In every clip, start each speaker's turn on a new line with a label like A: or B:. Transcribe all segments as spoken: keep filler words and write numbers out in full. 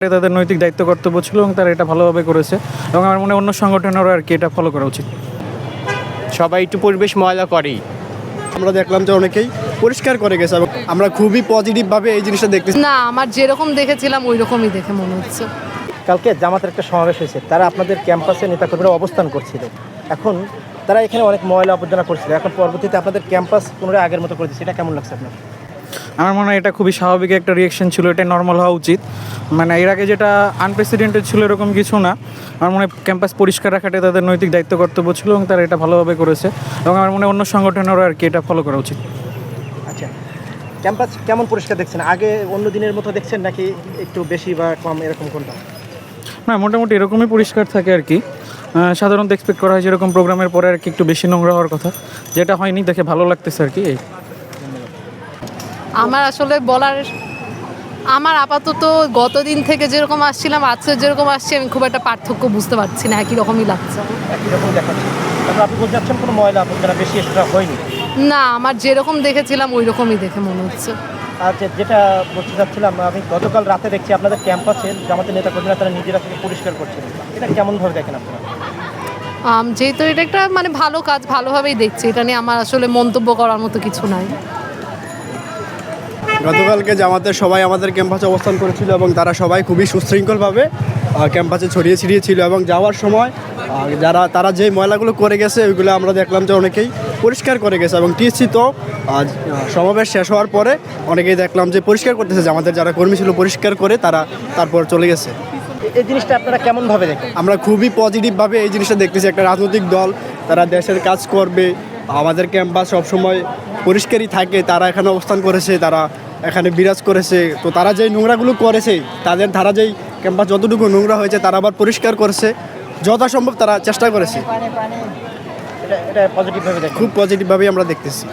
A: তাদের নৈতিক দায়িত্ব কর্তব্য ছিল এবং তারা এটা ভালোভাবে করেছে এবং আমার মনে হয় অন্য সংগঠনেরও আর কি এটা ফলো করা উচিত।
B: সবাই একটু পরিবেশ ময়লা করেই,
C: আমরা দেখলাম যে অনেকেই পরিষ্কার করে গেছে এবং আমরা খুবই পজিটিভভাবে এই জিনিসটা দেখতেছি।
D: না, আমার যেরকম দেখেছিলাম ওই রকমই দেখে মনে হচ্ছে।
E: কালকে জামাতের একটা সমাবেশ হয়েছে, তারা আপনাদের ক্যাম্পাসে নেতাকর্মীরা অবস্থান করছিল। এখন তারা এখানে অনেক ময়লা আবর্জনা করছিল, এখন পরবর্তীতে আপনাদের ক্যাম্পাস পুনরায় আগের মতো করে দিচ্ছে, এটা কেমন লাগছে আপনার?
A: আমার মনে হয় এটা খুবই স্বাভাবিক একটা রিয়েকশন ছিল, এটা নর্মাল হওয়া উচিত। মানে এর আগে যেটা আনপ্রেসিডেন্টেড ছিল এরকম কিছু না। আমার মনে হয় ক্যাম্পাস পরিষ্কার রাখাটা তাদের নৈতিক দায়িত্ব কর্তব্য ছিল এবং তারা এটা ভালোভাবে করেছে এবং আমার মনে হয় অন্য সংগঠনেরও আর কি এটা ফলো করা উচিত।
E: আচ্ছা, ক্যাম্পাস কেমন পরিষ্কার দেখছেন? আগে অন্য দিনের মতো দেখছেন নাকি একটু বেশি বা কম, এরকম কোনটা?
A: না, মোটামুটি এরকমই পরিষ্কার থাকে আর কি। সাধারণত এক্সপেক্ট করা হয় যেরকম প্রোগ্রামের পরে আর কি একটু বেশি নোংরা হওয়ার কথা, যেটা হয়নি দেখে ভালো লাগতেছে আর কি।
D: আমার আসলে বলার, আমার আপাতত গতদিন থেকে যেরকম আসছিলাম আজকে যেরকম আসছি আমি খুব একটা পার্থক্য বুঝতে পারছি না, একই রকমই লাগছে।
E: একই রকম দেখাচ্ছে, তারপর আপনি বলতে চাচ্ছেন কোনো ময়লা আবর্জনা বেশি এক্সট্রা হয়নি?
D: না, আমার যেরকম দেখেছিলাম ওই রকমই দেখে মনে হচ্ছে।
E: আচ্ছা, যেটা বলতে চাচ্ছিলাম, আমি গতকাল রাতে দেখছি আপনাদের ক্যাম্পাসে জামাতের নেতাকর্মীরা তারা নিজেরা থেকে পরিষ্কার করছেন, এটা কেমনভাবে দেখেন আপনারা?
D: আম, যেহেতু এটা একটা মানে ভালো কাজ, ভালোভাবেই দেখছি, এটা নিয়ে আমার আসলে মন্তব্য করার মতো কিছু নাই।
C: গতকালকে জামাতের সবাই আমাদের ক্যাম্পাসে অবস্থান করেছিল এবং তারা সবাই খুবই সুশৃঙ্খলভাবে ক্যাম্পাসে ছড়িয়ে ছিটিয়ে ছিল এবং যাওয়ার সময় যারা তারা যে ময়লাগুলো করে গেছে ওইগুলো আমরা দেখলাম যে অনেকেই পরিষ্কার করে গেছে এবং টিএসসি তো সমাবেশ শেষ হওয়ার পরে অনেকেই দেখলাম যে পরিষ্কার করতেছে, যে আমাদের যারা কর্মী ছিল পরিষ্কার করে তারা তারপর চলে গেছে।
E: এই জিনিসটা আপনারা কেমনভাবে দেখেন?
C: আমরা খুবই পজিটিভভাবে এই জিনিসটা দেখতেছি। একটা রাজনৈতিক দল, তারা দেশের কাজ করবে, আমাদের ক্যাম্পাস সবসময় পরিষ্কারই থাকে, তারা এখানে অবস্থান করেছে, তারা এখানে বিরাজ করেছে। তো তারা যেই নোংরাগুলো করেছে, তাদের ধারা যেই ক্যাম্পাস যতটুকু নোংরা হয়েছে তারা আবার পরিষ্কার করেছে, যথাসম্ভব তারা চেষ্টা করেছে।
E: এটা এটা পজিটিভভাবে দেখেন?
C: খুব পজিটিভভাবেই আমরা দেখতেছি।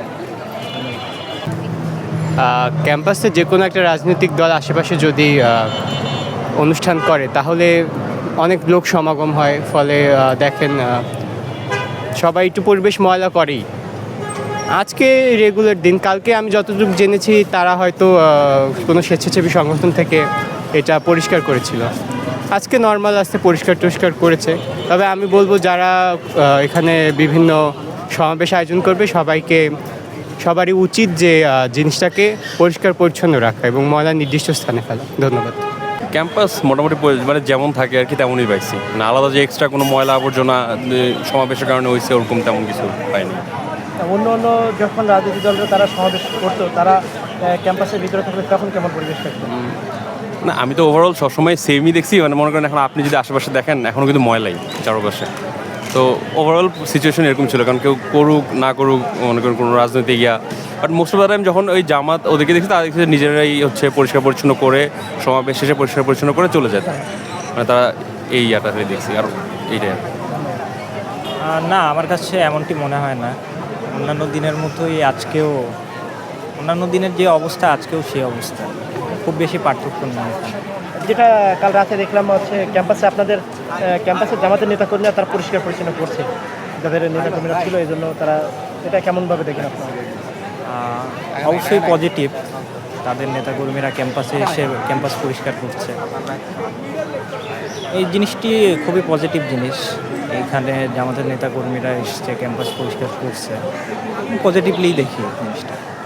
B: ক্যাম্পাসে যে কোনো একটা রাজনৈতিক দল আশেপাশে যদি অনুষ্ঠান করে তাহলে অনেক লোক সমাগম হয়, ফলে দেখেন সবাই একটু পরিবেশ ময়লা করেই। আজকে রেগুলার দিন, কালকে আমি যতটুকু জেনেছি তারা হয়তো কোনো স্বেচ্ছাসেবী সংগঠন থেকে এটা পরিষ্কার করেছিল। আজকে নর্মাল আসতে পরিষ্কার টরিষ্কার করেছে। তবে আমি বলবো যারা এখানে বিভিন্ন সমাবেশ আয়োজন করবে সবাইকে সবারই উচিত যে জিনিসটাকে পরিষ্কার পরিচ্ছন্ন রাখা এবং ময়লা নির্দিষ্ট স্থানে ফেলা। ধন্যবাদ।
F: ক্যাম্পাস মোটামুটি মানে যেমন থাকে আর কি তেমনই পাইছি, না আলাদা যে এক্সট্রা কোনো ময়লা আবর্জনা সমাবেশের কারণে হয়েছে ওরকম তেমন কিছু পাইনি।
E: অন্য অন্য যখন রাজনৈতিক দলরা তারা সমাবেশ করতো, তারা ক্যাম্পাসের ভিতরে থাকলে তখন কেমন পরিবেশ থাকতো?
F: না, আমি তো ওভারঅল সবসময় সেমই দেখছি। মানে মনে করেন এখন আপনি যদি আশেপাশে দেখেন এখনও কিন্তু ময়লাই চারপাশে। তো ওভারঅল সিচুয়েশন এরকম ছিল, কারণ কেউ করুক না করুক মনে করেন কোনো রাজনৈতিক yeah, but most of the time যখন ওই জামাত ওদেরকে দেখছি তারা দেখছি নিজেরাই হচ্ছে পরিষ্কার পরিচ্ছন্ন করে সমাবেশ শেষে পরিষ্কার পরিচ্ছন্ন করে চলে যায়। মানে তারা এই ইয়াটা দেখছি আর এইটাই।
G: না, আমার কাছে এমনটি মনে হয় না। অন্যান্য দিনের মতোই আজকেও, অন্যান্য দিনের যে অবস্থা আজকেও সেই অবস্থা, খুব বেশি পার্থক্য নেই।
E: যেটা কাল রাতে দেখলাম হচ্ছে ক্যাম্পাসে আপনাদের ক্যাম্পাসে জামাতের নেতাকর্মীরা তারা পরিষ্কার পরিচ্ছন্ন করছে, যাদের নেতাকর্মীরা ছিল এই জন্য তারা, এটা কেমনভাবে দেখেন আপনারা?
G: অবশ্যই পজিটিভ, তাদের নেতাকর্মীরা ক্যাম্পাসে এসে ক্যাম্পাস পরিষ্কার করছে, এই জিনিসটি খুবই পজিটিভ জিনিস। এইখানে জামাতের নেতাকর্মীরা এসছে ক্যাম্পাস পরিষ্কার করছে, পজিটিভলি দেখি জিনিসটা।